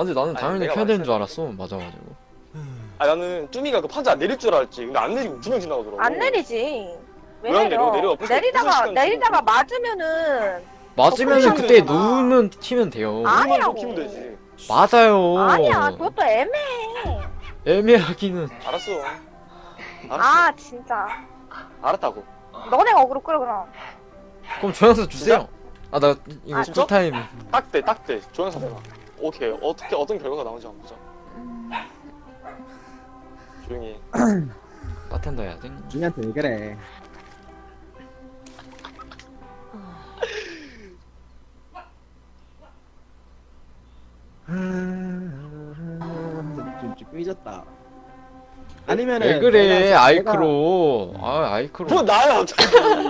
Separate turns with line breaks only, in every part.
근데 나는
아니,
당연히
내가
켜야 되는 줄
말했어야
알았어. 맞아가지고.
아 나는 쭈미가 그 판자 안 내릴 줄 알았지. 근데 안 내리고 2명 지나가더라고.
안 내리지. 왜
왜안
내려?
내려? 벌써
내리다가
시간
내리다가
지났고.
맞으면은
맞으면은
끄면
그때
되잖아.
누우면 키면 돼요.
아.
우리만 좀
아니라고.
키면 되지.
맞아요.
아니야. 그것도 애매해.
애매하기는.
알았어.
아 진짜.
알았다고.
너네가 어그로 끌어 그럼.
그럼 조향사 주세요. 아 나 이거
아,
쿨타임.
딱대. 조연사 내가. 오케이. 어떻게 어떤 결과가 나오는지 한번 보자. 조용히 해.
바텐더 해야 돼.
준이한테 왜 그래? 좀 삐졌다. 아니면은
왜 그래
내가-
아이크로. 아 아이크로.
뭐 나야 갑자기.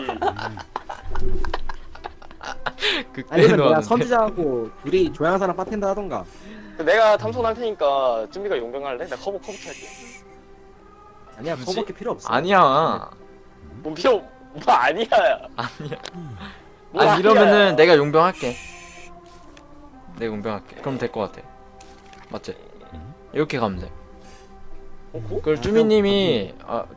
그때
아니면 내가
놓았는데.
선지자하고 둘이 조향사랑 바텐더 하던가.
내가 탐선할 테니까 쭈미가 용병할래? 나 커버 할게.
아니야,
굳이?
커버게 필요 없어.
아니야.
뭐 필요 뭐 아니야.
아니야.
뭐
아니
아니야.
이러면은 내가 용병할게. 내가 용병할게. 그럼 될 것 같아. 맞지? 이렇게 가면 돼. 그걸 쭈미님이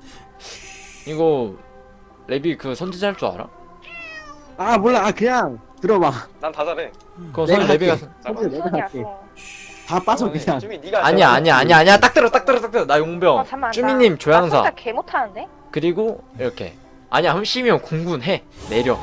이거 레비 그 선지자 할 줄 알아?
아 몰라. 아 그냥 들어봐.
난 다 잘해.
그거
내가
선 레비가
할게. 선지자 내가
소리야,
할게.
그거.
다 빠져 그냥.
쭈미 네가
아니야. 딱 들어. 나 용병.
잠깐만.
쭈미님
나
조향사.
혼자 개 못하는데?
그리고 이렇게. 아니야 함시면 공군해. 내려.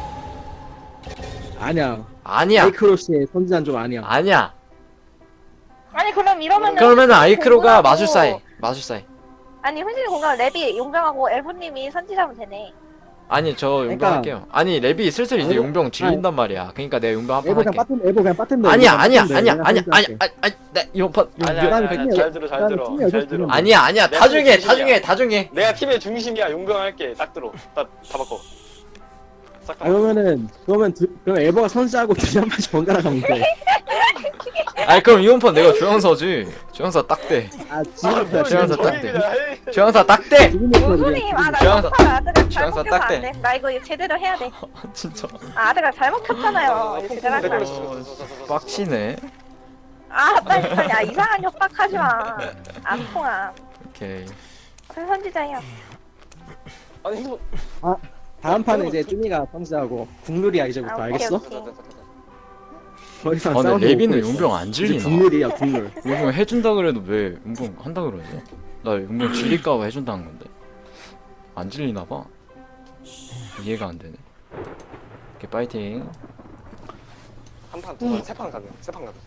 아니야.
아니야.
아이크로시의 선지자는 좀 아니야.
아니야.
아니 그럼 이러면은
그러면은 아이크로가
공군하고-
마술사해. 마술사해.
아니 훈신이 공간 랩이 용병하고 엘보님이 선지자면 되네.
아니 저 용병
그러니까-
할게요. 아니 랩이 슬슬 이제
에보-
용병 질린단 말이야. 그러니까 내가 용병 한
에보
판
그냥
할게.
빠텐더. 에보 그냥 빠텐더.
아니야.
에보 그냥 빠텐더. 내가
아니
선지자할게.
나 이번 판
아니야.
용병
쭈미-
잘 들어. 잘
쭈미
들어.
아니야.
아니야.
내가
다 중에.
내가 팀의 중심이야. 용병할게. 딱 들어. 다 바꿔. 싹 다.
그러면 에버가 선지자하고 준이 한 번씩 번갈아 가면 돼.
아니 그럼 이번 판 내가 조영서지. 조영서 딱대.
아 지금부터
조향사 딱 돼.
돼.
조영서 딱대.
훈신님 아나
조향사-
영팔 아드가
조향사
잘못 켜서
딱 돼.
안 돼. 나 이거 제대로 해야 돼.
진짜
아드가 잘못 켰잖아요. 이거 제대로 하지 마.
빡치네.
아 빨리 야 이상한 협박하지 마. 안 통함.
오케이.
그래 선지자야.
아니 뭐
다음 판은 이제 쭈미가 선지자하고 국룰이야 이제부터.
아, 오케이,
알겠어?
오케이.
더 이상
아 근데
싸우는
레비는
거 없어.
용병 안
이제
질리나?
국룰이야 국룰.
용병 해준다 그래도 왜 용병 한다 그러지? 나 용병 질릴까봐 해준다는 건데 안 질리나봐. 이해가 안 되네. 오케이 파이팅.
한 판, 두 판, 세 판 가능. 세 판.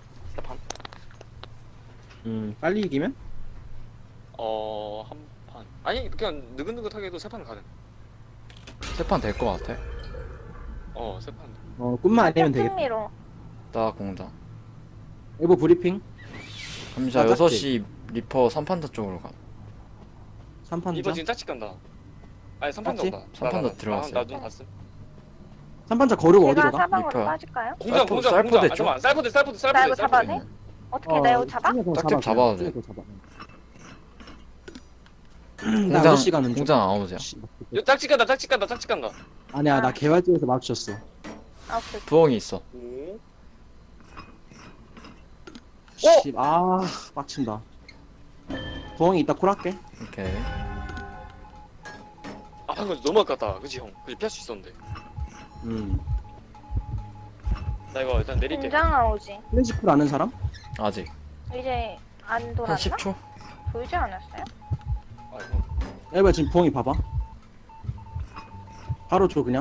빨리 이기면?
한 판. 아니 그냥 느긋느긋하게 해도 세 판 가능.
세 판 될 것 같아.
세 판.
꿈만 아니면 되겠다.
흥미로.
나 공장.
에보 브리핑.
감자
아,
6시 리퍼 3판자 쪽으로 가.
3판
이번
자.
지금 짝짓 간다. 아니 3판
짝짓?
간다.
3판 들어갔어요.
나눈 봤음.
3판 자 거르고
제가
어디로 가?
사방으로
리퍼야.
빠질까요?
공장.
쌀포
아,
됐죠?
잠깐만. 쌀포대.
나 이거 잡아도 돼? 어떻게 나 이거 잡아?
짝집 잡아도 돼.
나 6시 가는 중.
공장 아웃이야.
야, 짝짓 간다.
아니야 나 개발지에서 마주쳤어.
아 오케이.
부엉이 있어.
오.
씨, 아 빡친다. 부엉이 이따 콜할게.
오케이.
아 방금 너무 아깝다. 그치 형. 그치 피할 수 있었는데. 나 이거 일단 내릴게.
공장 나오지.
플래시풀 아는 사람?
아직
이제 안
한
돌았나?
10초?
보이지 않았어요?
아이고.
에바 지금 부엉이 봐봐. 바로 줘 그냥.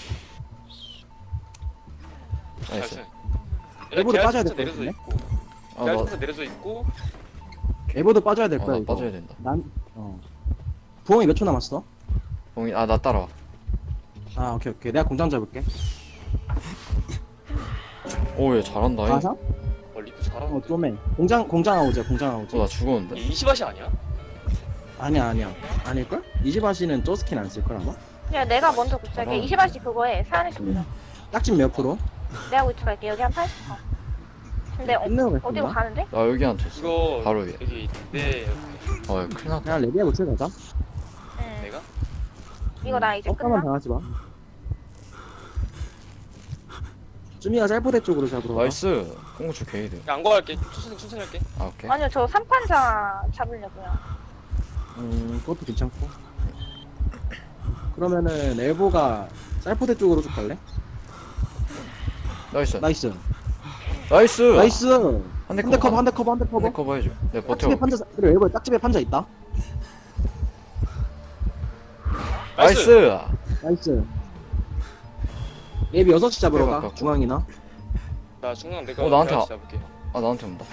나이스.
일부러 빠져야 될것
내려서
같은데?
있고.
아,
계약서 내려서 있고.
에보도 빠져야 될
나
거야 이거.
빠져야 된다.
부엉이 몇 초 남았어?
부엉이 나 따라와.
아 오케이. 내가 공장 잡을게.
오 얘 잘한다.
가사?
리프 잘하는데.
좀해. 공장 아우지야 공장 아우지.
나 죽었는데.
얘 20밭이 아니야?
아니야. 아닐걸? 이지바시는 저 스킨 안 쓸걸 아마?
그냥 내가 먼저 구출할게. 20알씩 그거에 사안에서 구출.
짝집 몇 프로?
내가 구출할게. 여기 한 80%. 근데
끝내고
어디로
겠습니다.
가는데?
나 여기 안 쳤어.
이거
바로 위에.
여기 내
어 큰일 났다.
그냥 레비아 고칠 가자.
응.
내가
이거 나 이제
깜깜만
끝나?
당하지 마. 쭈미가 짤포대 쪽으로 잡으러 가.
나이스. 콩고추 게이드.
안 구할게. 천천히 할게.
아 오케이.
아니요, 저 3판자 잡으려고요.
그것도 괜찮고. 그러면은 엘보가 짤포대 쪽으로 쭉 갈래?
나이스.
나이스.
나이스.
나이스.
한 대
한 대 커버,
커버.
한 대 커버, 한 대 커버.
한대 커버 해줘. 내가 버텨.
딱집에 판자, 그래 엘보에 딱집에 판자 있다.
나이스.
나이스. 랩이 6시 잡으러
그래,
가.
가깝고.
중앙이나.
나 중간 내가
나한테
내가 잡을게.
아 나한테 온다.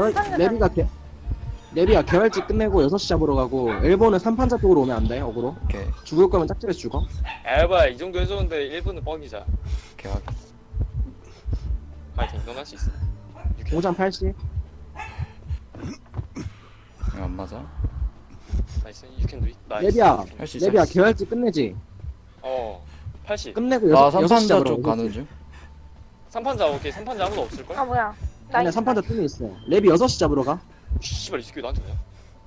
랩이가 개활지 끝내고 6시 잡으러 가고 엘보는 3판자 쪽으로 오면 안 돼. 어그로.
오케이.
죽을 거면 짝집에서 죽어.
에바 이 정도 해줬는데 1분은 뻥이자.
오케이 확인.
파이팅. 넌 할 수 있어.
5장 80.
이거 안 맞아.
나이스. You can do it. 나이스.
랩이야.
할 수 있어.
랩이야 개활지 끝내지.
80.
끝내고
나
6시
3판자
잡으러
쪽
가.
가는 중.
3판자 오케이. 3판자 아무도 없을걸?
아, 뭐야. 나
아니야
있어.
3판자 뜸이 있어. 랩이 6시 잡으러 가.
씨발 이 새끼 나한테 뭐야?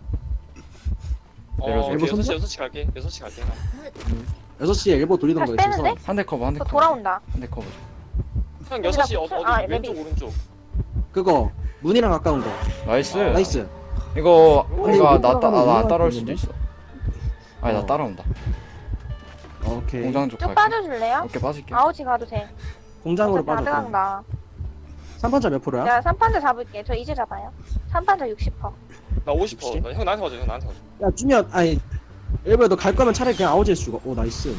내려줘.
오케이.
일본
6시 갈게. 6시 갈게.
6시에 엘보 돌리던 거
다시
있어서.
빼는데?
한 대 커버 한 대
저
커버.
돌아온다.
한 대 커버 줘.
형
여기다
6시
붙여-
어디
아,
왼쪽
랩이.
오른쪽.
그거 문이랑 가까운 거.
나이스.
나이스.
이거
근데
이거
이거
나 따라올
있는데?
수도 있어. 아니 나
어.
따라온다.
오케이.
공장 쪽
쭉
갈게.
빠져줄래요?
오케이 빠질게.
아우지 가도 돼.
공장으로
어차피
빠져.
아드간다.
3판자 몇 프로야?
내가 3판자 잡을게. 저 이제 잡아요. 3판자 60%.
나 50%.
혹시?
형 나한테 가져. 형 나한테 가져.
야 주면 아니 엘보야 너 갈 거면 차라리 그냥 아우지에서 죽어. 오 나이스.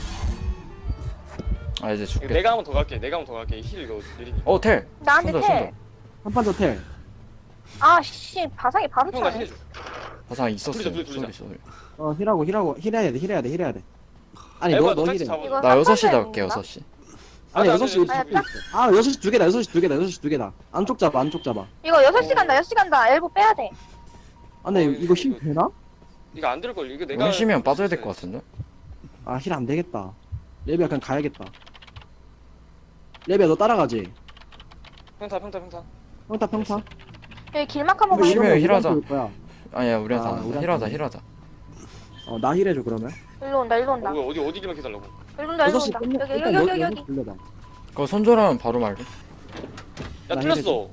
아 이제
이거
죽게.
내가 한 번 더 갈게. 내가 한 번 더 갈게. 힐 이거 느리니.
어 텔.
나한테
손절,
텔.
3판자 텔.
아, 씨. 바상이 바로
형 나
차네.
힐해줘.
화상 있었어.
돌리자.
소리 소리.
힐하고 힐해야 돼. 아니
에바
너
너
힐해.
잡아.
이거
나 6시
3판자에
잡을게
있는가?
6시.
아니
아니,
6시
아니,
두 개 있어. 아 6시 두 개다. 6시 두 개다. 안쪽 잡아.
이거 6시 간다. 6시 간다. 엘보 빼야 돼.
아 근데 이거
이거-
힐 되나?
이거 안 될 걸. 이거 내가
원심이면 빠져야 될 것 같은데.
아 힐 안 되겠다. 랩이야 그냥 가야겠다. 랩이야 너 따라가지.
평타.
평타.
여기 길막 한번
이거 심해요,
가볼게.
힐하자.
거야.
아니야 우리한테
아,
안 한다.
우리한테
힐하자.
나 힐해줘 그러면.
일로 온다. 일로 온다.
어디 길만 해달라고.
일로 온다. 일로
6시
온다.
끝내.
여기
일단
여기 여기.
돌려봐.
그거 손절하면 바로 말해.
야
나
틀렸어.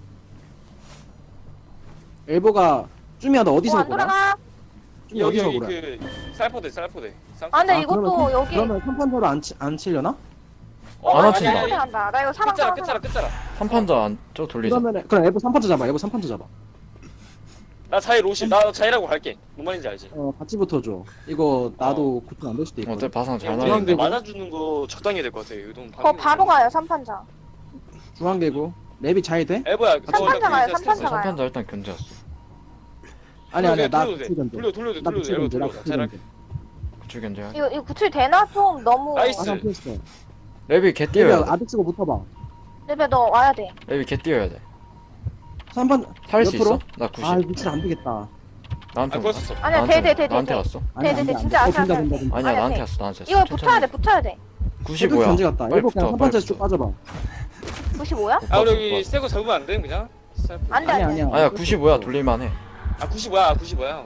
엘보가 쭈미야 너 어디서
안
보라?
돌아가.
쭈미
여기
어디서
여기
보라?
그 쌀포대.
아, 근데
아,
이것도
그러면
여기.
그러면 3판자로 안 치려나?
안
아니,
합친다.
아니, 한다. 나 이거 사망 사망.
끝자라.
3판자 안쪽 돌리자.
그러면은 그럼 엘보 3판자 잡아. 엘보 3판자 잡아.
나 자일 50. 나 자일하고 갈게. 뭔 말인지 알지?
같이 붙어줘. 이거 나도 고통 안 될 수도 있고.
어때 바상 잘
우리
날려.
근데 맞아주는 거 적당히 해야 될 것 같아. 의동
그거 바로 가요. 3판자.
중앙개구. 랩이 잘 돼?
에버야.
삼판자 가요, 삼판자.
3판자 일단 견제했어.
아니야 나
돌려도 돼.
구출 견제.
돌려.
나 구출 견제. 나
엘버
구출
잘할.
견제.
구출 견제.
이거 구출 되나? 좀 너무.
나이스.
아상 피했어.
랩이 개 뛰어야
랩이
돼.
아득 쓰고 붙어봐.
레벨 너 와야 돼.
랩이 개 뛰어야 돼.
3판
살릴 수
몇 프로?
있어? 나 90.
아 구출 안 되겠다.
나한테
아
온다.
그랬었어.
아니야, 돼.
나한테 갔어.
아니야,
네,
안 돼,
네,
안
진짜
돼.
아시아
된다.
아니야
아니야,
나한테
돼.
갔어. 나한테
이거 붙어야 돼.
90 뭐야?
견제 같다.
빨리
엘보 그냥
붙어,
3판자
빨리
쭉
붙어.
빠져봐.
95야?
아 우리 여기 새거 잡으면 안 돼? 그냥?
안 돼,
아니야
안 돼.
아니야.
아니야 90 돌릴만해.
아 90이야. 90이야.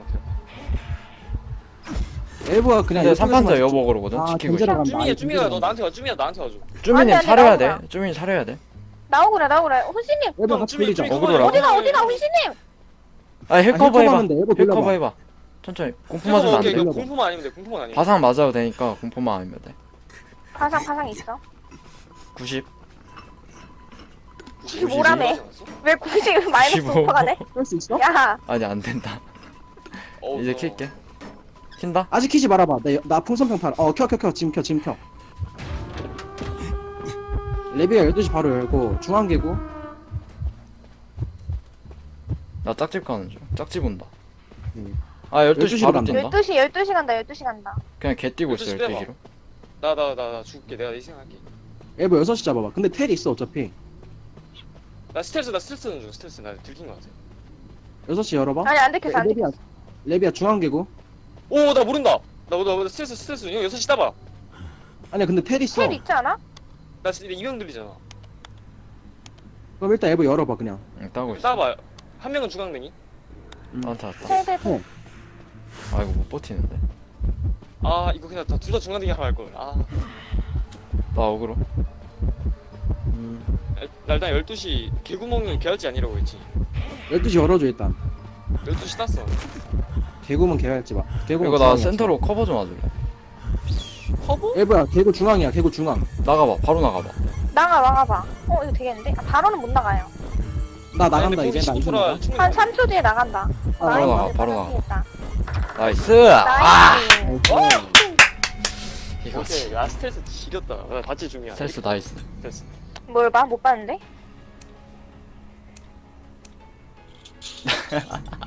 엘보가 그냥
근데
이쪽에서만
3판자
쭉-
여보거든.
아,
지키고
견제를
있어.
간다.
쭈미가 너 나한테 가. 쭈미가 나한테 가줘.
쭈민님
안 돼,
차려야 돼.
나오구나.
쭈민 차려야 돼.
나오구래. 혼신님.
엘보 같이 돌리자.
어그로라고?
어디가, 혼신님.
아 힐커버 해봐.
힐커버인데 엘보
힐커버
돌려봐.
해봐. 천천히. 공포 맞으면 안
오케이,
돼.
이거 공포만 아니면 돼. 공포만 아니면.
바상 맞아도 되니까 공포만 아니면 돼.
파상 있어.
90.
95라며. 왜 90 마이너스
95.
5%가 돼?
할수 있어?
야,
아니 안 된다. 이제 킬게. 킨다?
아직 키지 말아봐. 나 풍선평 팔아. 켜. 지금 켜. 레비가 12시 바로 열고 중앙개구.
나 짝집 가는 중. 짝집 온다.
아,
아 12시
12시 로
바로
간다.
뛴다.
12시 간다. 12시 간다.
그냥 개 뛰고 있어
12시 빼봐.
12시로.
나 죽을게. 내가 내 생각할게.
엘보 6시 잡아봐. 근데 텔이 있어 어차피.
나 스트레스는 중. 스트레스 나 들킨 거 같아.
6시 열어봐.
아니, 안 들켰어, 안 들켰어.
레비야 중앙개구.
오 나 모른다. 나 스트레스. 이거 6시 따봐.
아니야 근데 텔 있어.
텔 있지 않아?
나 진짜 이명 들리잖아.
그럼 일단 엘보 열어봐 그냥.
응 따고 있어.
따봐. 한 명은 중앙댕이.
나한테 왔다.
텔.
아 이거 못 버티는데.
아 이거 그냥 둘 다 중앙댕이 하러 갈 걸. 아
나 어그로.
나 일단 12시 개구멍은 개할지 아니라고 했지.
12시 열어줘 일단.
12시 땄어.
개구멍 개할지 마. 개구멍
이거 나
중앙이야,
센터로 커버 좀 와줄래?
커버?
일부야 개구 중앙이야 개구 중앙.
나가봐 바로 나가봐.
나가봐. 이거 되겠는데? 아, 바로는 못 나가요.
나 나간다 이제 나 이제 나가.
한 3초 뒤에 나간다.
바로 나가,
나이스,
바로 나가.
되겠다.
나이스. 아
나이스.
이거지.
오케이. 야 스트레스 지렸다. 야, 같이 중요해.
스트레스 나이스.
됐어.
뭘 봐? 못 봤는데?